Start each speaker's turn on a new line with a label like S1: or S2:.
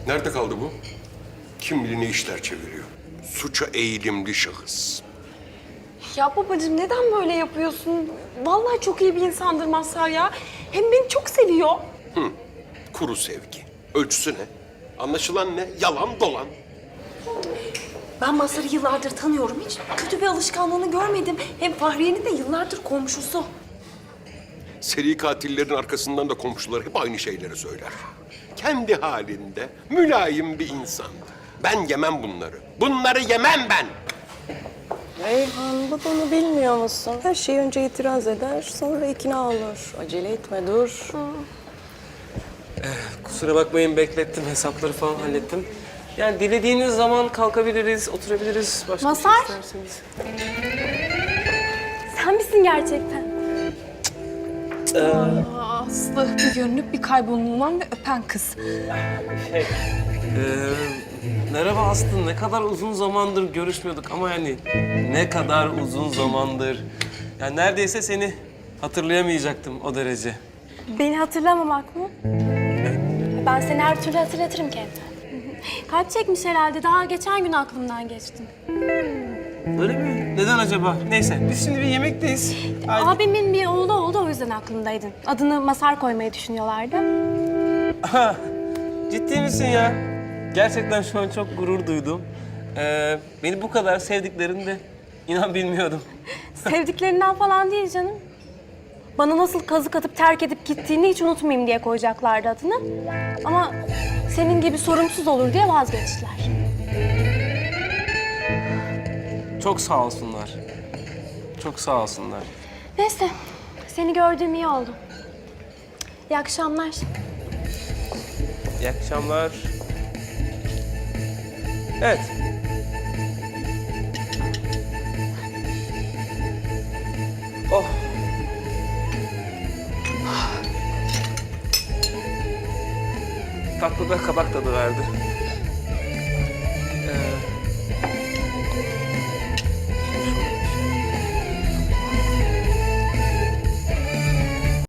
S1: Nerede kaldı bu? Kim bilir ne işler çeviriyor. Suça eğilimli şahıs.
S2: Ya babacığım neden böyle yapıyorsun? Vallahi çok iyi bir insandır Mazhar ya. Hem beni çok seviyor.
S1: Kuru sevgi. Ölçüsü ne? Anlaşılan ne? Yalan dolan.
S2: Ben Mazhar'ı yıllardır tanıyorum. Hiç kötü bir alışkanlığını görmedim. Hem Fahriye'nin de yıllardır komşusu.
S1: Seri katillerin arkasından da komşular hep aynı şeyleri söyler. Kendi halinde mülayim bir insandı. Ben yemem bunları. Bunları yemem ben.
S3: Reyhan, babanı bilmiyor musun? Her şeyi önce itiraz eder, sonra ikna olur. Acele etme, dur.
S4: Kusura bakmayın, beklettim. Hesapları falan hallettim. Yani dilediğiniz zaman kalkabiliriz, oturabiliriz. Başka bir
S2: Mazhar.
S4: şey isterseniz.
S2: Sen misin gerçekten?
S5: Aslı bir görünüp bir kaybolunan ve öpen kız.
S4: Merhaba Aslı. Ne kadar uzun zamandır görüşmüyorduk ama yani ne kadar uzun zamandır. Yani neredeyse seni hatırlayamayacaktım o derece.
S6: Beni hatırlamamak mı? Ben seni her türlü hatırlatırım kendime. Kalp çekmiş herhalde. Daha geçen gün aklımdan geçtin.
S4: Öyle mi? Neden acaba? Neyse, biz şimdi bir yemekteyiz.
S6: Abimin bir oğlu oldu, o yüzden aklımdaydın. Adını Masar koymayı düşünüyorlardı.
S4: Aha, ciddi misin ya? Gerçekten şu an çok gurur duydum. Beni bu kadar sevdiklerini de inan bilmiyordum.
S6: Sevdiklerinden falan değil canım. Bana nasıl kazık atıp terk edip gittiğini hiç unutmayayım diye koyacaklardı adını. Ama senin gibi sorumsuz olur diye vazgeçtiler.
S4: Çok sağ olsunlar. Çok sağ olsunlar.
S6: Neyse, seni gördüğüm iyi oldu. İyi akşamlar.
S4: İyi akşamlar. Evet. Oh. Tatlı da kabak tadı verdi.